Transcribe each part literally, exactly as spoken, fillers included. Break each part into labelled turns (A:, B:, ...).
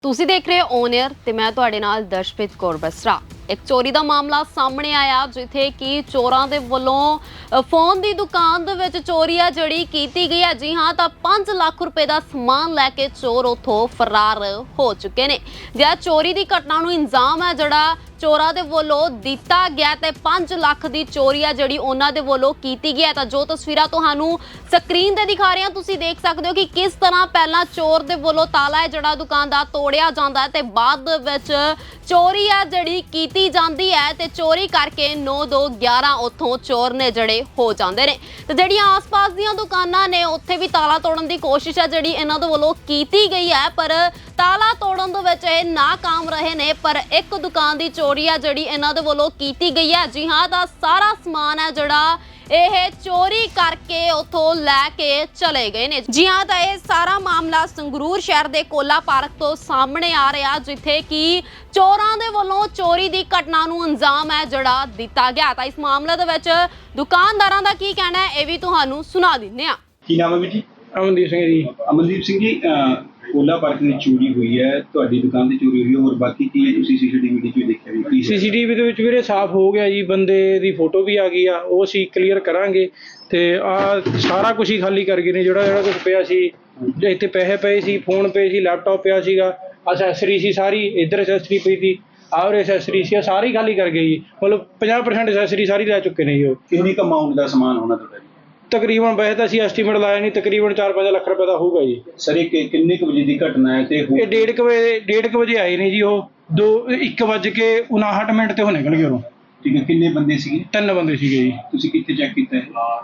A: ਤੁਸੀਂ ਦੇਖ ਰਹੇ ਹੋ ਔਨ 에ਅਰ ਤੇ ਮੈਂ ਤੁਹਾਡੇ ਨਾਲ ਦਰਸ਼ਪ੍ਰੀਤ ਕੌਰ ਬਸਰਾ। ਇੱਕ ਚੋਰੀ ਦਾ ਮਾਮਲਾ ਸਾਹਮਣੇ ਆਇਆ ਜਿੱਥੇ ਕਿ ਚੋਰਾਂ ਦੇ ਵੱਲੋਂ ਫੋਨ ਦੀ ਦੁਕਾਨ ਦੇ ਵਿੱਚ ਚੋਰੀ ਆ ਜਿਹੜੀ ਕੀਤੀ ਗਈ ਹੈ। ਜੀ ਹਾਂ, ਤਾਂ ਪੰਜ ਲੱਖ ਰੁਪਏ ਦਾ ਸਮਾਨ ਲੈ ਕੇ ਚੋਰ ਉੱਥੋਂ ਫਰਾਰ ਹੋ ਚੁੱਕੇ ਨੇ। ਜਿਹੜਾ ਚੋਰੀ ਦੀ ਘਟਨਾ ਨੂੰ ਇੰਜ਼ਾਮ ਹੈ ਜਿਹੜਾ ਚੋਰਾਂ ਦੇ ਵੱਲੋਂ ਦਿੱਤਾ ਗਿਆ ਤੇ ਪੰਜ ਲੱਖ ਦੀ ਚੋਰੀ ਆ ਜਿਹੜੀ ਉਹਨਾਂ ਦੇ ਵੱਲੋਂ ਕੀਤੀ ਗਈ ਹੈ। ਤਾਂ ਜੋ ਤਸਵੀਰਾਂ ਤੁਹਾਨੂੰ ਸਕਰੀਨ ਤੇ ਦਿਖਾ ਰਹੇ ਹਾਂ, ਤੁਸੀਂ ਦੇਖ ਸਕਦੇ ਹੋ ਕਿ ਕਿਸ ਤਰ੍ਹਾਂ ਪਹਿਲਾਂ ਚੋਰ ਦੇ ਵੱਲੋਂ ਤਾਲਾ ਹੈ ਜਿਹੜਾ ਦੁਕਾਨ ਦਾ ਤੋੜਿਆ ਜਾਂਦਾ ਹੈ ਤੇ ਬਾਅਦ ਵਿੱਚ ਚੋਰੀ ਆ ਜਿਹੜੀ ਕੀਤੀ ਜਾਂਦੀ ਹੈ ਤੇ ਚੋਰੀ ਕਰਕੇ ਨੌ ਦੋ ਗਿਆਰਾਂ ਉੱਥੋਂ ਚੋਰ ਨੇ ਜਿਹੜੇ ਹੋ ਜਾਂਦੇ ਨੇ। ਤੇ ਜਿਹੜੀਆਂ ਆਸ-ਪਾਸ ਦੀਆਂ ਦੁਕਾਨਾਂ ਨੇ ਉੱਥੇ ਵੀ ਤਾਲਾ ਤੋੜਨ ਦੀ ਕੋਸ਼ਿਸ਼ ਹੈ ਜਿਹੜੀ ਇਹਨਾਂ ਦੇ ਵੱਲੋਂ ਕੀਤੀ ਗਈ ਹੈ, ਪਰ ਤਾਲਾ ਤੋੜਨ ਦੇ ਵਿੱਚ ਇਹ ਨਾਕਾਮ ਰਹੇ ਨੇ। ਪਰ ਇੱਕ ਦੁਕਾਨ ਦੀ ਚੋਰੀ ਆ ਜਿਹੜੀ ਇਹਨਾਂ ਦੇ ਵੱਲੋਂ ਕੀਤੀ ਗਈ ਹੈ। ਜੀ ਹਾਂ, ਤਾਂ ਸਾਰਾ ਸਮਾਨ ਹੈ ਜਿਹੜਾ ਇਹ ਚੋਰੀ ਕਰਕੇ ਉੱਥੋਂ ਲੈ ਕੇ ਚਲੇ ਗਏ ਨੇ। ਜੀ ਹਾਂ, ਤਾਂ ਇਹ ਸਾਰਾ ਮਾਮਲਾ ਸੰਗਰੂਰ ਸ਼ਹਿਰ ਦੇ ਕੋਲਾ ਪਾਰਕ ਤੋਂ ਸਾਹਮਣੇ ਆ ਰਿਹਾ ਜਿੱਥੇ ਕਿ ਚੋਰਾਂ ਦੇ ਵੱਲੋਂ ਚੋਰੀ ਦੀ ਘਟਨਾ ਨੂੰ ਅੰਜਾਮ ਹੈ ਜਿਹੜਾ ਦਿੱਤਾ ਗਿਆ। ਤਾਂ ਇਸ ਮਾਮਲੇ ਦੇ ਵਿੱਚ ਦੁਕਾਨਦਾਰਾਂ ਦਾ ਕੀ ਕਹਿਣਾ ਹੈ ਇਹ ਵੀ ਤੁਹਾਨੂੰ ਸੁਣਾ ਦਿੰਦੇ ਹਾਂ।
B: ਕੀ ਨਾਮ ਹੈ ਵੀਰ ਜੀ?
C: ਅਮਨਦੀਪ ਸਿੰਘ ਜੀ।
B: ਅਮਨਦੀਪ ਸਿੰਘ ਜੀ, ਕੋਲਾ ਪਾਰਕ ਵਿੱਚ ਚੋਰੀ ਹੋਈ ਹੈ, ਤੁਹਾਡੀ ਦੁਕਾਨ ਦੀ ਚੋਰੀ ਹੋਈ ਹੈ, ਹੋਰ ਬਾਕੀ ਕੀ ਹੈ ਤੁਸੀਂ ਸੀਸੀਟੀਵੀ ਵਿੱਚ ਦੇਖਿਆ ਵੀ ਕੀ?
C: ਸੀਸੀਟੀਵੀ ਦੇ ਵਿੱਚ ਵੀਰੇ ਸਾਫ਼ ਹੋ ਗਿਆ ਜੀ, ਬੰਦੇ ਦੀ ਫੋਟੋ ਵੀ ਆ ਗਈ ਆ, ਉਹ ਅਸੀਂ ਕਲੀਅਰ ਕਰਾਂਗੇ। ਤੇ ਆ ਸਾਰਾ ਕੁਝ ਹੀ ਖਾਲੀ ਕਰ ਗਏ ਨੇ, ਜਿਹੜਾ ਜਿਹੜਾ ਕੁਝ ਪਿਆ ਸੀ। ਇੱਥੇ ਪੈਸੇ ਪਏ ਸੀ, ਫੋਨ ਪਏ ਸੀ, ਲੈਪਟਾਪ ਪਿਆ ਸੀਗਾ, ਅਸੈਸਰੀ ਸੀ ਸਾਰੀ, ਇੱਧਰ ਅਸੈਸਰੀ ਪਈ ਸੀ, ਆਹ ਅਸੈਸਰੀ ਸੀ, ਸਾਰੀ ਖਾਲੀ ਕਰ ਗਏ ਜੀ। ਮਤਲਬ ਪੰਜਾਹ ਪਰਸੈਂਟ ਅਸੈਸਰੀ ਸਾਰੀ ਲੈ ਚੁੱਕੇ ਨੇ ਜੀ ਉਹ।
B: ਕਿੰਨੀ ਕੁ ਅਮਾਊਂਟ ਦਾ ਸਮਾਨ ਹੋਣਾ ਤੁਹਾਡਾ ਜੀ?
C: ਤਕਰੀਬਨ ਵੈਸੇ ਤਾਂ ਅਸੀਂ ਐਸਟੀਮੇਟ ਲਾਇਆ ਨਹੀਂ, ਤਕਰੀਬਨ ਚਾਰ ਪੰਜ ਲੱਖ ਰੁਪਏ ਦਾ ਹੋਊਗਾ ਜੀ।
B: ਸਰ ਇਹ ਕਿ- ਕਿੰਨੇ ਕੁ ਵਜੇ ਦੀ ਘਟਨਾ ਹੈ? ਤੇ
C: ਇਹ ਡੇਢ ਕੁ ਵਜੇ ਡੇਢ ਕੁ ਵਜੇ ਆਏ ਨੇ ਜੀ ਉਹ, ਦੋ ਇੱਕ ਵੱਜ ਕੇ ਉਨਾਹਠ ਮਿੰਟ ਤੇ ਉਹ ਨਿਕਲ ਗਏ ਉਰੋਂ।
B: ਠੀਕ ਹੈ, ਕਿੰਨੇ ਬੰਦੇ ਸੀਗੇ?
C: ਤਿੰਨ ਬੰਦੇ ਸੀਗੇ ਜੀ।
B: ਤੁਸੀਂ ਕਿੱਥੇ ਚੈੱਕ ਕੀਤਾ ਹੈ?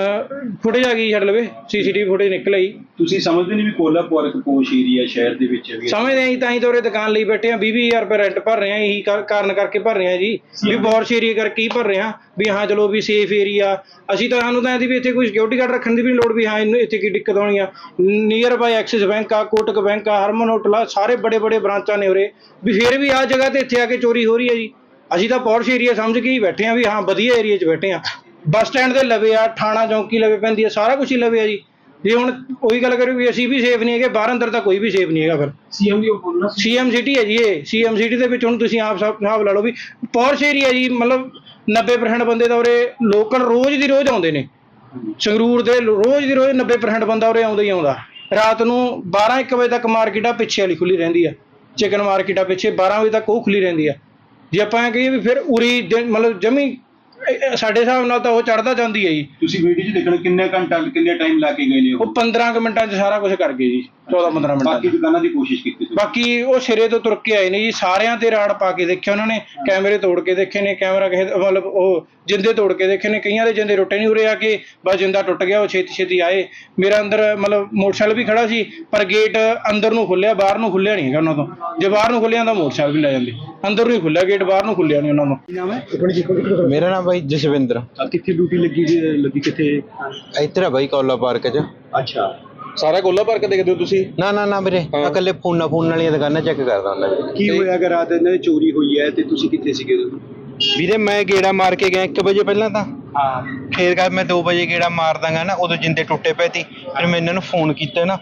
C: ਫੁਟੇਜ ਆ ਗਈ ਛੱਡ ਲਵੇ, ਸੀਸੀਟੀਵੀ ਫੁਟੇਜ ਨਿਕਲ ਆਈ।
B: ਤੁਸੀਂ ਸਮਝਦੇ ਨਹੀਂ ਵੀ ਕੋਲਾ ਪਾਰਕ ਪੋਸ਼ ਏਰੀਆ ਸ਼ਹਿਰ ਦੇ ਵਿੱਚ ਵੀ?
C: ਸਮਝਦੇ ਆਂ ਤਾਂ ਹੀ ਤਾਂ ਉਰੇ ਦੁਕਾਨ ਲਈ ਬੈਠੇ ਆ, ਵੀਹ ਵੀਹ ਹਜ਼ਾਰ ਰੁਪਏ ਰੈਂਟ ਭਰ ਰਹੇ ਆ, ਇਹੀ ਕਾ- ਕਾਰਨ ਕਰਕੇ ਭਰ ਰਹੇ ਆ ਜੀ ਵੀ ਬੌਰਸ਼ ਏਰੀਆ ਕਰਕੇ ਹੀ ਭਰ ਰਹੇ ਆ ਵੀ ਹਾਂ ਚਲੋ ਵੀ ਸੇਫ ਏਰੀਆ। ਅਸੀਂ ਤਾਂ ਸਾਨੂੰ ਤਾਂ ਇਹਦੀ ਵੀ ਇੱਥੇ ਕੋਈ ਸਿਕਿਉਰਿਟੀ ਗਾਰਡ ਰੱਖਣ ਦੀ ਵੀ ਲੋੜ ਵੀ ਹਾਂ ਇਹਨੂੰ ਇੱਥੇ ਕੀ ਦਿੱਕਤ ਆਉਣੀ ਆ। ਨੀਅਰ ਬਾਈ ਐਕਸਿਸ ਬੈਂਕ ਆ, ਕੋਟਕ ਬੈਂਕ ਆ, ਹਰਮਨ ਹੋਟਲ ਆ, ਸਾਰੇ ਬੜੇ ਬੜੇ ਬ੍ਰਾਂਚਾਂ ਨੇ ਉਰੇ, ਵੀ ਫਿਰ ਵੀ ਆਹ ਜਗ੍ਹਾ ਤੇ ਇੱਥੇ ਆ ਕੇ ਚੋਰੀ ਹੋ ਰਹੀ ਹੈ ਜੀ। ਅਸੀਂ ਤਾਂ ਪੌਰਸ਼ ਏਰੀਆ ਸਮਝ ਕੇ ਹੀ ਬੈਠੇ ਆ ਵੀ ਹਾਂ ਵਧੀਆ ਏਰੀਆ 'ਚ ਬੈਠੇ ਆ। ਬੱਸ ਸਟੈਂਡ ਦੇ ਲਵੇ ਆ, ਥਾਣਾ ਚੌਂਕੀ ਲਵੇ ਪੈਂਦੀ ਆ, ਸਾਰਾ ਕੁਝ ਹੀ ਲਵੇ ਆ ਜੀ। ਜੇ ਹੁਣ ਉਹੀ ਗੱਲ ਕਰੀਏ ਵੀ ਅਸੀਂ ਵੀ ਸੇਫ ਨਹੀਂ ਹੈਗੇ, ਬਾਹਰ ਅੰਦਰ ਤਾਂ ਕੋਈ ਵੀ ਸੇਫ ਨਹੀਂ ਹੈਗਾ। ਫਿਰ
B: ਸੀਐਮ ਦੀ ਬੋਲਣਾ
C: ਸੀਐਮ ਸਿਟੀ ਹੈ ਜੀ ਇਹ, ਸੀਐਮ ਸਿਟੀ ਦੇ ਵਿੱਚ ਹੁਣ ਤੁਸੀਂ ਆਪ ਹਿਸਾਬ ਲਾ ਲਓ ਵੀ ਪੌਰਸ਼ ਏਰੀਆ ਜੀ। ਮਤਲਬ ਨੱਬੇ ਪਰਸੈਂਟ ਬੰਦੇ ਤਾਂ ਉਰੇ ਲੋਕਲ ਰੋਜ਼ ਦੀ ਰੋਜ਼ ਆਉਂਦੇ ਨੇ। ਸੰਗਰੂਰ ਦੇ ਰੋਜ਼ ਦੀ ਰੋਜ਼ ਨੱਬੇ ਪਰਸੈਂਟ ਬੰਦਾ ਉਰੇ ਆਉਂਦਾ ਹੀ ਆਉਂਦਾ। ਰਾਤ ਨੂੰ ਬਾਰਾਂ ਇੱਕ ਵਜੇ ਤੱਕ ਮਾਰਕੀਟ ਆ ਪਿੱਛੇ ਵਾਲੀ ਖੁੱਲੀ ਰਹਿੰਦੀ ਆ, ਚਿਕਨ ਮਾਰਕੀਟ ਆ ਪਿੱਛੇ ਬਾਰਾਂ ਵਜੇ ਤੱਕ ਉਹ ਖੁੱਲੀ ਰਹਿੰਦੀ ਆ। ਜੇ ਆਪਾਂ ਇਹ ਕਹੀਏ ਵੀ ਫਿਰ ਉਰੀ ਮਤਲਬ ਜਮੀ ਸਾਡੇ ਹਿਸਾਬ ਨਾਲ ਤਾਂ ਉਹ ਚੜ੍ਹਦਾ ਜਾਂਦੀ ਹੈ ਜੀ।
B: ਤੁਸੀਂ ਵੀਡੀਓ 'ਚ ਦੇਖਣਾ ਕਿੰਨੇ ਘੰਟਾ ਕਿੰਨੇ ਟਾਈਮ ਲਾ ਕੇ ਗਏ ਨੇ ਉਹ?
C: ਉਹ ਪੰਦਰਾਂ ਕੁ ਮਿੰਟਾਂ 'ਚ ਸਾਰਾ ਕੁਝ ਕਰ ਗਏ ਜੀ, ਚੌਦਾਂ ਪੰਦਰਾਂ ਮਿੰਟਾਂ।
B: ਬਾਕੀ ਦੁਕਾਨਾਂ ਦੀ ਕੋਸ਼ਿਸ਼ ਕੀਤੀ ਤੁਸੀਂ?
C: ਬਾਕੀ ਉਹ ਸਿਰੇ ਤੋਂ ਤੁਰ ਕੇ ਆਏ ਨੇ ਜੀ, ਸਾਰਿਆਂ ਤੇ ਰਾੜ ਪਾ ਕੇ ਦੇਖਿਆ ਉਹਨਾਂ ਨੇ, ਕੈਮਰੇ ਤੋੜ ਕੇ ਦੇਖੇ ਨੇ, ਕੈਮਰਾ ਕਿਸੇ ਮਤਲਬ ਉਹ ਜਿੰਦੇ ਤੋੜ ਕੇ ਦੇਖੇ ਨੇ, ਕਈਆਂ ਦੇ ਜਿੰਦੇ ਟੁੱਟੇ ਨਹੀਂ। ਉਰੇ ਆ ਕੇ ਬਸ ਜਿੰਦਾ ਟੁੱਟ ਗਿਆ, ਉਹ ਛੇਤੀ ਛੇਤੀ ਆਏ। ਮੇਰਾ ਅੰਦਰ ਮਤਲਬ ਮੋਟਰਸਾਈਕਲ ਵੀ ਖੜਾ ਸੀ, ਪਰ ਗੇਟ ਅੰਦਰ ਨੂੰ ਖੁੱਲਿਆ, ਬਾਹਰ ਨੂੰ ਖੁੱਲਿਆ ਨਹੀਂ ਹੈਗਾ ਉਹਨਾਂ ਤੋਂ। ਜੇ ਬਾਹਰ ਨੂੰ ਖੁੱਲਿਆ ਤਾਂ ਮੋਟਰਸਾਈਕਲ ਵੀ ਲੈ ਜਾਂਦੇ, ਅੰਦਰ ਨੂੰ ਹੀ ਖੁੱਲਿਆ ਗੇਟ, ਬਾਹਰ ਨੂੰ ਖੁੱਲਿਆ ਨਹੀਂ ਉਹਨਾਂ ਨੂੰ।
B: ਕੀ ਨਾਮ ਹੈ?
D: ਮੇਰਾ ਨਾਮ ਬਾਈ ਜਸਵਿੰਦਰ।
B: ਕਿੱਥੇ ਡਿਊਟੀ ਲੱਗੀ ਜੀ? ਲੱਗੀ ਕਿੱਥੇ?
D: ਇੱਧਰ ਆ ਬਾਈ ਕੋਲਾ ਪਾਰਕ 'ਚ।
B: ਅੱਛਾ,
E: ਸਾਰਾ ਕੋਲਾ ਪਾਰਕ ਦੇਖਦੇ ਹੋ ਤੁਸੀਂ?
D: ਨਾ ਨਾ ਨਾ ਵੀਰੇ, ਮੈਂ ਇਕੱਲੇ ਫੋਨਾਂ ਫੋਨ ਵਾਲੀਆਂ ਦੁਕਾਨਾਂ ਚੈੱਕ ਕਰਦਾ ਹੁੰਦਾ ਵੀਰੇ।
B: ਕੀ ਹੋਇਆ ਅਗਰ ਰਾਤ ਇਹਨਾਂ ਦੀ ਚੋਰੀ ਹੋਈ ਹੈ ਤੇ ਤੁਸੀਂ ਕਿੱਥੇ ਸੀਗੇ ਉਦੋਂ?
D: ਵੀਰੇ ਮੈਂ ਗੇੜਾ ਮਾਰ ਕੇ ਗਿਆ ਇੱਕ ਵਜੇ ਪਹਿਲਾਂ ਤਾਂ,
B: ਹਾਂ,
D: ਫੇਰ ਕਰ ਮੈਂ ਦੋ ਵਜੇ ਗੇੜਾ ਮਾਰ ਦਾਂਗਾ ਨਾ, ਉਦੋਂ ਜਿੰਦੇ ਟੁੱਟੇ ਪਏ ਸੀ। ਫਿਰ ਮੈਂ ਇਹਨਾਂ ਨੂੰ ਫੋਨ ਕੀਤਾ ਨਾ,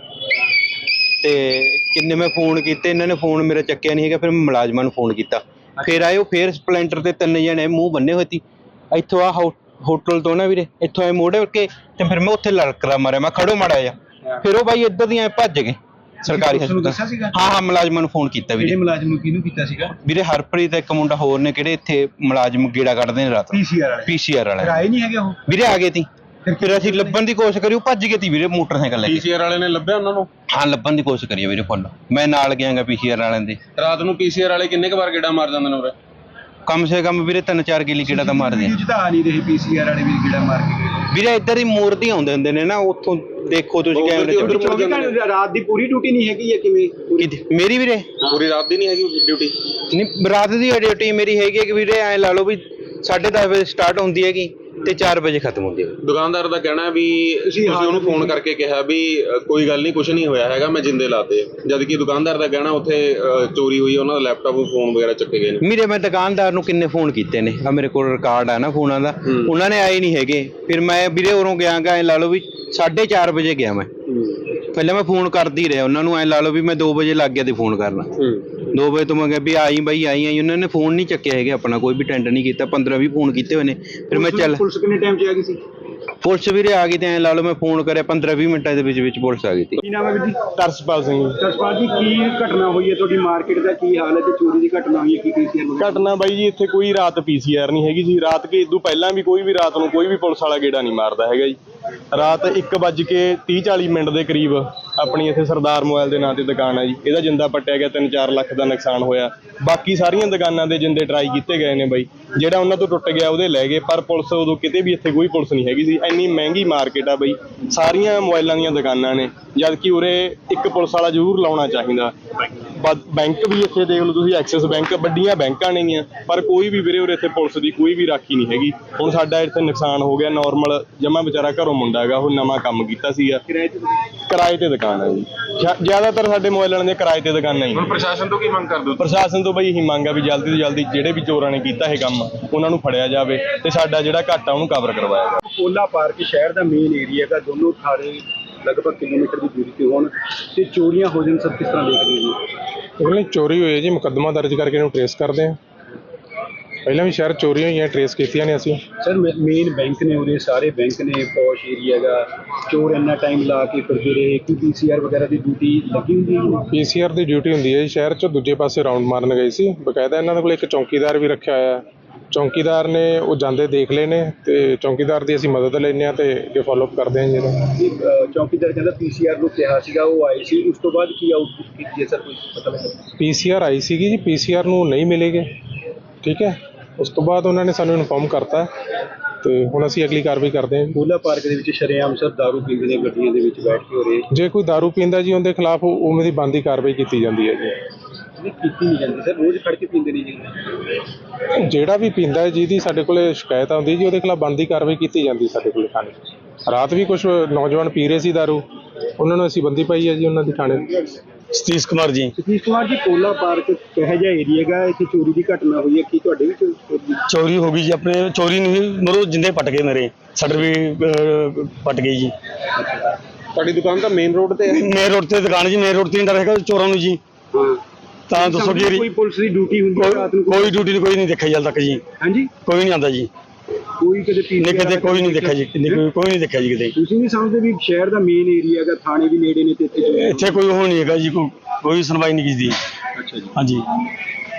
D: ਤੇ ਕਿੰਨੇ ਮੈਂ ਫੋਨ ਕੀਤੇ, ਇਹਨਾਂ ਨੇ ਫੋਨ ਮੇਰਾ ਚੱਕਿਆ ਨਹੀਂ ਹੈਗਾ। ਫਿਰ ਮੈਂ ਮੁਲਾਜ਼ਮਾਂ ਨੂੰ ਫੋਨ ਕੀਤਾ, ਫਿਰ ਆਏ ਉਹ, ਫਿਰ ਸਪਲੈਂਡਰ ਤੇ ਤਿੰਨ ਜਣੇ ਮੂੰਹ ਬੰਨੇ ਹੋਏ ਸੀ। ਇੱਥੋਂ ਆ ਹੋਟਲ ਤੋਂ ਨਾ ਵੀਰੇ, ਇੱਥੋਂ ਆਏ ਮੋੜੇ ਕੇ ਤੇ ਫਿਰ ਮੈਂ ਉੱਥੇ ਲੜਕਦਾ ਮਾਰਿਆ, ਮੈਂ ਖੜੋ ਮਾੜਾ ਜਿਹਾ। ਫਿਰ ਉਹ ਬਾਈ ਇੱਧਰ ਦੀਆਂ ਭੱਜ ਗਏ ਸਰਕਾਰੀ ਹਸਪਤਾਲ। ਹਾਂ ਹਾਂ, ਮੁਲਾਜ਼ਮਾਂ ਨੂੰ ਫੋਨ ਕੀਤਾ ਵੀਰੇ।
B: ਕਿਹੜੇ ਮੁਲਾਜ਼ਮ ਨੂੰ ਕਿਹਨੂੰ ਕੀਤਾ ਸੀਗਾ?
D: ਵੀਰੇ ਹਰਪ੍ਰੀਤ ਇੱਕ ਮੁੰਡਾ ਹੋਰ ਨੇ, ਕਿਹੜੇ ਇੱਥੇ ਮੁਲਾਜ਼ਮ ਗੇੜਾ ਕੱਢਦੇ ਨੇ ਰਾਤ ਨੂੰ,
B: ਪੀਸੀਆਰ ਵਾਲੇ।
D: ਪੀਸੀਆਰ ਵਾਲੇ
B: ਆਏ ਨਹੀਂ ਹੈਗੇ ਉਹ
D: ਵੀਰੇ, ਆ ਗਏ ਤੀ। ਫਿਰ ਅਸੀਂ ਲੱਭਣ ਦੀ ਕੋਸ਼ਿਸ਼ ਕਰੀ, ਉਹ ਭੱਜ ਗਏ ਤੀ ਵੀਰੇ ਮੋਟਰਸਾਈਕਲ ਲੈ ਕੇ।
E: ਪੀਸੀਆਰ ਵਾਲੇ ਨੇ ਲੱਭਿਆ ਉਹਨਾਂ ਨੂੰ?
D: ਹਾਂ, ਲੱਭਣ ਦੀ ਕੋਸ਼ਿਸ਼ ਕਰੀ ਵੀਰੇ ਫੁੱਲ, ਮੈਂ ਨਾਲ ਗਿਆਗਾ ਪੀਸੀਆਰ ਵਾਲਿਆਂ ਦੇ।
E: ਰਾਤ ਨੂੰ ਪੀਸੀਆਰ ਵਾਲੇ ਕਿੰਨੇ ਕੁ ਵਾਰ ਗੇੜਾ ਮਾਰ ਜਾਂਦੇ ਨੇ ਉਰੇ?
D: ਕਮ ਸੇ ਕਮ ਵੀਰੇ ਤਿੰਨ ਚਾਰ ਗੇਲੀ ਗੇੜਾ ਤਾਂ ਮਾਰਦੇ ਆ
B: ਜਿੱਦਾਂ ਆ ਨਹੀਂ ਰਹੇ ਪੀਸੀਆਰ ਵਾਲੇ ਵੀ ਗੇੜਾ ਮਾਰ ਕੇ ਗਏ
D: ਵੀਰੇ। ਇੱਧਰ ਹੀ ਮੂਰਤੀ ਆਉਂਦੇ ਹੁੰਦੇ ਨੇ ਨਾ, ਉੱਥੋਂ ਦੇਖੋ ਤੁਸੀਂ ਕੈਮਰੇ ਚ।
B: ਚੌਵੀ ਘੰਟੇ ਰਾਤ ਦੀ ਪੂਰੀ ਡਿਊਟੀ ਨਹੀਂ ਹੈਗੀ ਹੈ ਕਿਵੇਂ?
D: ਕਿਤੇ ਮੇਰੀ ਵੀਰੇ
E: ਪੂਰੀ ਰਾਤ ਦੀ ਨਹੀਂ ਹੈਗੀ ਡਿਊਟੀ?
D: ਨਹੀਂ, ਰਾਤ ਦੀ ਡਿਊਟੀ ਮੇਰੀ ਹੈਗੀ ਕਿ ਵੀਰੇ ਐਂ ਲਾ ਲਓ ਵੀ ਸਾਢੇ ਦਸ ਵਜੇ ਸਟਾਰਟ ਹੁੰਦੀ ਹੈਗੀ ਤੇ ਚਾਰ ਵਜੇ ਖਤਮ ਹੁੰਦੀ ਹੈ।
E: ਦੁਕਾਨਦਾਰ ਦਾ ਕਹਿਣਾ ਵੀ ਤੁਸੀਂ ਉਹਨੂੰ ਫੋਨ ਕਰਕੇ ਕਿਹਾ ਵੀ ਅ, ਕੋਈ ਗੱਲ ਨਹੀਂ, ਕੁਝ ਨਹੀਂ ਹੋਇਆ ਹੈਗਾ, ਮੈਂ ਜਿੰਦੇ ਲਾਤੇ। ਜਦ ਕਿ ਦੁਕਾਨਦਾਰ ਦਾ ਕਹਿਣਾ ਉੱਥੇ ਅ, ਚੋਰੀ ਹੋਈ, ਉਹਨਾਂ ਦਾ ਲੈਪਟਾਪ ਫੋਨ ਵਗੈਰਾ ਚੱਕੇ ਗਏ ਨੇ।
D: ਵੀਰੇ ਮੈਂ ਦੁਕਾਨਦਾਰ ਨੂੰ ਕਿੰਨੇ ਫੋਨ ਕੀਤੇ ਨੇ, ਆ ਮੇਰੇ ਕੋਲ ਰਿਕਾਰਡ ਆ ਨਾ ਫੋਨਾਂ ਦਾ, ਉਹਨਾਂ ਨੇ ਆਏ ਨਹੀਂ ਹੈਗੇ। ਫਿਰ ਮੈਂ ਵੀਰੇ ਉਰੋਂ ਗਿਆ ਗਾ, ਐਂ ਲਾ ਲਓ ਵੀ ਸਾਢੇ ਚਾਰ ਵਜੇ ਗਿਆ ਮੈਂ, ਪਹਿਲਾਂ ਮੈਂ ਫੋਨ ਕਰਦੀ ਰਿਹਾ ਉਹਨਾਂ ਨੂੰ, ਐ ਲਾ ਲਓ ਵੀ ਮੈਂ ਦੋ ਵਜੇ ਲੱਗ ਗਿਆ ਤੇ ਫੋਨ ਕਰਨਾ। ਦੋ ਵਜੇ ਤੋਂ ਮੈਂ ਕਿਹਾ ਵੀ ਆਈ ਬਾਈ ਆਈ ਆਈ ਉਹਨਾਂ ਨੇ ਫੋਨ ਨਹੀਂ ਚੱਕਿਆ ਹੈਗਾ ਆਪਣਾ, ਕੋਈ ਵੀ ਅਟੈਂਡ ਨਹੀਂ ਕੀਤਾ। ਪੰਦਰਾਂ ਵੀਹ ਫੋਨ ਕੀਤੇ ਹੋਏ ਨੇ। ਫਿਰ ਮੈਂ ਚੱਲ
B: ਪੁਲਿਸ ਕਿੰਨੇ ਟਾਈਮ 'ਚ ਆ ਗਈ ਸੀ?
D: ਪੁਲਿਸ ਵੀਰੇ ਆ ਗਈ ਤੇ ਐ ਲਾ ਲਓ ਮੈਂ ਫੋਨ ਕਰਿਆ ਪੰਦਰਾਂ ਵੀਹ ਮਿੰਟਾਂ ਦੇ ਵਿੱਚ ਵਿੱਚ ਪੁਲਿਸ ਆ ਗਈ ਸੀ।
B: ਕੀ ਨਾਮ ਹੈ ਵੀਰ ਜੀ?
F: ਤਰਸਪਾਲ ਸਿੰਘ ਜੀ।
B: ਜਸਪਾਲ ਜੀ, ਕੀ ਘਟਨਾ ਹੋਈ ਹੈ ਤੁਹਾਡੀ ਮਾਰਕੀਟ ਦਾ? ਕੀ ਹਾਲ ਹੈ ਤੇ ਚੋਰੀ ਦੀ ਘਟਨਾ ਹੋਈ ਹੈ, ਕੀ ਪੀਸੀਆਰ
F: ਘਟਨਾ ਬਾਈ ਜੀ, ਇੱਥੇ ਕੋਈ ਰਾਤ ਪੀਸੀਆਰ ਨਹੀਂ ਹੈਗੀ ਜੀ। ਰਾਤ ਕੇ ਇਦੋਂ ਪਹਿਲਾਂ ਵੀ ਕੋਈ ਵੀ ਰਾਤ ਨੂੰ ਕੋਈ ਵੀ ਪੁਲਿਸ ਵਾਲਾ ਗੇੜਾ ਨਹੀਂ ਮਾਰਦਾ ਹੈਗਾ ਜੀ। ਰਾਤ ਇੱਕ ਵੱਜ ਕੇ ਤੀਹ ਚਾਲੀ ਮਿੰਟ ਦੇ ਕਰੀਬ ਆਪਣੀ ਇੱਥੇ ਸਰਦਾਰ ਮੋਬਾਈਲ ਦੇ ਨਾਂ ਤੇ ਦੁਕਾਨ ਹੈ ਜੀ, ਇਹਦਾ ਜਿੰਦਾ ਪੱਟਿਆ ਗਿਆ, ਤਿੰਨ ਚਾਰ ਲੱਖ ਦਾ ਨੁਕਸਾਨ ਹੋਇਆ। ਬਾਕੀ ਸਾਰੀਆਂ ਦੁਕਾਨਾਂ ਦੇ ਜਿੰਦੇ ਟਰਾਈ ਕੀਤੇ ਗਏ ਨੇ ਬਾਈ, ਜਿਹੜਾ ਉਹਨਾਂ ਤੋਂ ਟੁੱਟ ਗਿਆ ਉਹਦੇ ਲੈ ਗਏ, ਪਰ ਪੁਲਿਸ ਉਦੋਂ ਕਿਤੇ ਵੀ ਇੱਥੇ ਕੋਈ ਪੁਲਿਸ ਨਹੀਂ ਹੈਗੀ ਸੀ। ਇੰਨੀ ਮਹਿੰਗੀ ਮਾਰਕੀਟ ਆ ਬਈ, ਸਾਰੀਆਂ ਮੋਬਾਈਲਾਂ ਦੀਆਂ ਦੁਕਾਨਾਂ ਨੇ, ਜਦ ਕਿ ਉਰੇ ਇੱਕ ਪੁਲਿਸ ਵਾਲਾ ਜ਼ਰੂਰ ਲਾਉਣਾ ਚਾਹੀਦਾ। ਬੈਂਕ ਵੀ ਇੱਥੇ ਦੇਖ ਲਓ ਤੁਸੀਂ, ਐਕਸਿਸ ਬੈਂਕ, ਵੱਡੀਆਂ ਬੈਂਕਾਂ ਨੇਗੀਆਂ, ਪਰ ਕੋਈ ਵੀ ਵੀਰੇ ਉਰੇ ਇੱਥੇ ਪੁਲਿਸ ਦੀ ਕੋਈ ਵੀ ਰਾਖੀ ਨਹੀਂ ਹੈਗੀ। ਹੁਣ ਸਾਡਾ ਇੱਥੇ ਨੁਕਸਾਨ ਹੋ ਗਿਆ, ਨਾਰਮਲ ਜਮਾ ਵਿਚਾਰਾ ਘਰੋਂ ਮੁੰਡਾ ਹੈਗਾ, ਉਹ ਨਵਾਂ ਕੰਮ ਕੀਤਾ ਸੀਗਾ, ਕਿਰਾਏ ਤੇ ਦੁਕਾਨ ਹੈ ਜੀ। ਜ਼ਿਆਦਾਤਰ ਸਾਡੇ ਮੋਬਾਈਲਾਂ ਦੀਆਂ ਕਿਰਾਏ ਤੇ ਦੁਕਾਨਾਂ ਹੀ।
E: ਹੁਣ ਪ੍ਰਸ਼ਾਸਨ ਤੋਂ ਕੀ ਮੰਗ ਕਰਦੇ ਹੋ?
F: ਪ੍ਰਸ਼ਾਸਨ ਤੋਂ ਬਈ ਇਹੀ ਮੰਗ ਆ ਵੀ ਜਲਦੀ ਤੋਂ ਜਲਦੀ ਜਿਹੜੇ ਵੀ ਚੋਰਾਂ ਨੇ ਕੀਤਾ ਇਹ ਕੰਮ ਉਹਨਾਂ ਨੂੰ ਫੜਿਆ ਜਾਵੇ ਤੇ ਸਾਡਾ ਜਿਹੜਾ ਘਾਟਾ ਉਹਨੂੰ ਕਵਰ ਕਰਵਾਇਆ ਜਾਵੇ।
B: ਕੋਲਾ ਪਾਰਕ ਸ਼ਹਿਰ ਦਾ ਮੇਨ ਏਰੀਆ ਦਾ, ਦੋਨੋਂ ਥਾਰੇ ਲਗਭਗ ਕਿਲੋਮੀਟਰ ਦੀ ਦੂਰੀ ਤੇ ਹੋਣ ਤੇ ਚੋਰੀਆਂ ਹੋ ਜਾਣ, ਸਭ ਕਿਸ ਤਰ੍ਹਾਂ ਦੇਖਦੇ ਹੋ ਜੀ?
F: ਉਹਨੇ ਚੋਰੀ ਹੋਈ ਹੈ ਜੀ, ਮੁਕੱਦਮਾ ਦਰਜ ਕਰਕੇ ਇਹਨੂੰ ਟਰੇਸ ਕਰਦੇ ਹਾਂ। ਪਹਿਲਾਂ ਵੀ ਸ਼ਹਿਰ ਚੋਰੀ ਹੋਈਆਂ, ਟਰੇਸ ਕੀਤੀਆਂ ਨੇ ਅਸੀਂ।
B: ਸਰ, ਮੇਨ ਬੈਂਕ ਨੇ ਉਰੇ, ਸਾਰੇ ਬੈਂਕ ਨੇ, ਪੌਸ਼ ਏਰੀਆ ਦਾ, ਚੋਰ ਇੰਨਾ ਟਾਈਮ ਲਾ ਕੇ ਫਿਰਦੇ ਰਹੇ, ਕੀ ਪੀਸੀਆਰ ਵਗੈਰਾ ਦੀ ਡਿਊਟੀ ਲੱਗੀ ਹੁੰਦੀ ਹੈ?
F: ਪੀਸੀਆਰ ਦੀ ਡਿਊਟੀ ਹੁੰਦੀ ਹੈ ਜੀ। ਸ਼ਹਿਰ 'ਚ ਦੂਜੇ ਪਾਸੇ ਰਾਉਂਡ ਮਾਰਨ ਗਏ ਸੀ, ਬਕਾਇਦਾ ਇਹਨਾਂ ਦੇ ਕੋਲ ਇੱਕ ਚੌਕੀਦਾਰ ਵੀ ਰੱਖਿਆ ਹੋਇਆ। ਚੌਕੀਦਾਰ ਨੇ ਉਹ ਜਾਂਦੇ ਦੇਖ ਲਏ ਨੇ ਤੇ ਚੌਕੀਦਾਰ ਦੀ ਅਸੀਂ ਮਦਦ ਲੈਂਦੇ ਹਾਂ ਤੇ ਅੱਗੇ ਫਾਲੋਅਪ ਕਰਦੇ ਹਾਂ ਜੀ।
B: ਇਹ ਚੌਕੀਦਾਰ ਕਹਿੰਦਾ ਪੀਸੀਆਰ ਨੂੰ ਕਿਹਾ ਸੀਗਾ, ਉਹ ਆਏ ਸੀ, ਉਸ ਤੋਂ ਬਾਅਦ ਕੀ ਆਊਟਪੁੱਟ ਕੀਤੀ ਹੈ ਸਰ, ਕੁਝ ਪਤਾ ਲੱਗਾ?
F: ਪੀਸੀਆਰ ਆਈ ਸੀਗੀ ਜੀ, ਪੀਸੀਆਰ ਨੂੰ ਨਹੀਂ ਮਿਲੇਗੇ, ਠੀਕ ਹੈ। ਉਸ ਤੋਂ ਬਾਅਦ ਉਹਨਾਂ ਨੇ ਸਾਨੂੰ ਇਨਫੋਰਮ ਕਰਤਾ ਤੇ ਹੁਣ ਅਸੀਂ ਅਗਲੀ ਕਾਰਵਾਈ ਕਰਦੇ ਹਾਂ।
B: ਕੋਲਾ ਪਾਰਕ ਦੇ ਵਿੱਚ ਸ਼ਰੇਆਮ ਸਰ ਦਾਰੂ ਪੀਂਦੇ ਨੇ, ਗੱਡੀਆਂ ਦੇ ਵਿੱਚ ਬੈਠ ਕੇ ਹੋ ਰਹੇ।
F: ਜੇ ਕੋਈ ਦਾਰੂ ਪੀਂਦਾ ਜੀ ਉਹਦੇ ਖਿਲਾਫ ਉਵੇਂ ਦੀ ਬਣਦੀ ਕਾਰਵਾਈ ਕੀਤੀ ਜਾਂਦੀ ਹੈ ਜੀ।
B: ਨਹੀਂ ਕੀਤੀ ਨਹੀਂ ਜਾਂਦੀ ਸਰ, ਰੋਜ਼ ਖੜ ਕੇ ਪੀਂਦੇ ਨੇ ਜੀ।
F: ਜਿਹੜਾ ਵੀ ਪੀਂਦਾ ਹੈ ਜਿਹਦੀ ਸਾਡੇ ਕੋਲੇ ਸ਼ਿਕਾਇਤ ਆਉਂਦੀ ਜੀ ਉਹਦੇ ਖਿਲਾਫ ਬਣਦੀ ਕਾਰਵਾਈ ਕੀਤੀ ਜਾਂਦੀ ਸਾਡੇ ਕੋਲੇ ਥਾਣੇ। ਰਾਤ ਵੀ ਕੁਝ ਨੌਜਵਾਨ ਪੀ ਰਹੇ ਸੀ ਦਾਰੂ, ਉਹਨਾਂ ਨੂੰ ਅਸੀਂ ਬੰਦੀ ਪਾਈ ਹੈ ਜੀ ਉਹਨਾਂ ਦੀ ਥਾਣੇ।
G: ਸਤੀਸ਼ ਕੁਮਾਰ ਜੀ।
B: ਸਤੀਸ਼ ਕੁਮਾਰ ਜੀ, ਕੋਲਾ ਪਾਰਕ ਕਿਹੋ ਜਿਹਾ ਏਰੀਆ ਹੈਗਾ, ਇੱਥੇ ਚੋਰੀ ਦੀ ਘਟਨਾ ਹੋਈ ਹੈ, ਕੀ ਤੁਹਾਡੇ ਵੀ ਚੋਰੀ?
G: ਚੋਰੀ ਹੋ ਗਈ ਜੀ, ਆਪਣੇ ਚੋਰੀ ਨਹੀਂ ਮਰੋ ਜਿੰਦੇ ਪਟ ਗਏ, ਮੇਰੇ ਸ਼ਟਰ ਵੀ ਅਹ, ਪਟ ਗਈ ਜੀ।
B: ਤੁਹਾਡੀ ਦੁਕਾਨ ਤਾਂ ਮੇਨ ਰੋਡ ਤੇ ਹੈ?
G: ਮੇਨ ਰੋਡ ਤੇ ਦੁਕਾਨ ਜੀ, ਮੇਨ ਰੋਡ ਤੇ ਨਹੀਂ ਡਰ ਹੈਗਾ ਚੋਰਾਂ ਨੂੰ ਜੀ।
B: ਹਾਂ,
G: ਤਾਂ ਦੱਸੋ ਜੀ,
B: ਕੋਈ ਪੁਲਿਸ ਦੀ ਡਿਊਟੀ ਹੁੰਦੀ ਹੈ ਰਾਤ ਨੂੰ?
G: ਕੋਈ ਡਿਊਟੀ ਨਹੀਂ, ਕੋਈ ਨਹੀਂ ਦੇਖਿਆ ਜਲ ਤੱਕ ਜੀ।
B: ਹਾਂਜੀ,
G: ਕੋਈ ਨਹੀਂ ਆਉਂਦਾ ਜੀ,
B: ਕੋਈ ਕਦੇ
G: ਨਹੀਂ ਕਿਤੇ ਕੋਈ ਨਹੀਂ ਦੇਖਿਆ ਜੀ, ਕੋਈ ਨਹੀਂ ਦੇਖਿਆ ਜੀ ਕਿਤੇ।
B: ਤੁਸੀਂ ਨਹੀਂ ਸਮਝਦੇ ਵੀ ਸ਼ਹਿਰ ਦਾ ਮੇਨ ਏਰੀਆ ਹੈਗਾ, ਥਾਣੇ ਵੀ ਨੇੜੇ ਨੇ ਤੇ ਇੱਥੇ ਚੋਰੀ?
G: ਇੱਥੇ ਕੋਈ ਉਹ ਨਹੀਂ ਹੈਗਾ ਜੀ, ਕੋਈ ਕੋਈ ਸੁਣਵਾਈ ਨਹੀਂ ਕੀਤੀ।
B: ਅੱਛਾ ਜੀ।
G: ਹਾਂਜੀ।